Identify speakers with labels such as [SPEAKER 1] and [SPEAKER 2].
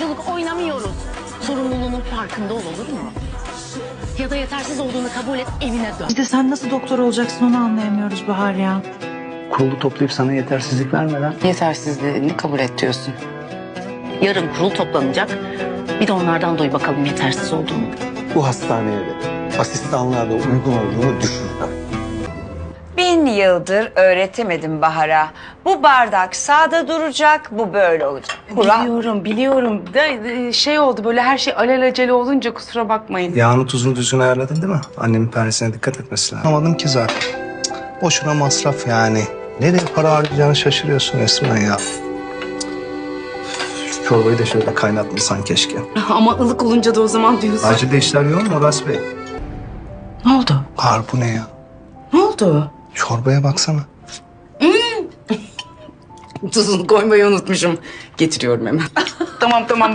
[SPEAKER 1] oyunculuk oynamıyoruz. Sorumluluğunun farkında ol, olur mu? Ya da yetersiz olduğunu kabul et, evine dön.
[SPEAKER 2] İşte sen nasıl doktor olacaksın onu anlayamıyoruz Bahar ya.
[SPEAKER 3] Kurulu toplayıp sana yetersizlik vermeden
[SPEAKER 1] Yetersizliğini kabul et diyorsun. Yarın kurul toplanacak. Bir de onlardan duy bakalım yetersiz olduğunu.
[SPEAKER 4] Bu hastaneye de asistanlığa da uygun olduğunu düşünmem.
[SPEAKER 5] 1000 yıldır öğretemedim Bahar'a. Bu bardak sağda duracak, bu böyle olacak.
[SPEAKER 6] Biliyorum. Şey oldu böyle her şey alelacele olunca kusura bakmayın.
[SPEAKER 4] Yağını tuzunu düzgün ayarladın değil mi? Annemin pernesine dikkat etmesi lazım. Anlamadım ki zaten. Cık, boşuna masraf yani. Nereye para harcayacağını şaşırıyorsun resmen ya. Şu çorbayı da şöyle kaynatmasan keşke.
[SPEAKER 6] Ama ılık olunca da o zaman diyorsun.
[SPEAKER 4] Acilde işler yoğun mu Uras Bey?
[SPEAKER 2] Ne oldu?
[SPEAKER 4] Bahar bu ne ya?
[SPEAKER 2] Ne oldu?
[SPEAKER 4] Çorbaya baksana.
[SPEAKER 6] Tuzunu koymayı unutmuşum. Getiriyorum hemen. Tamam.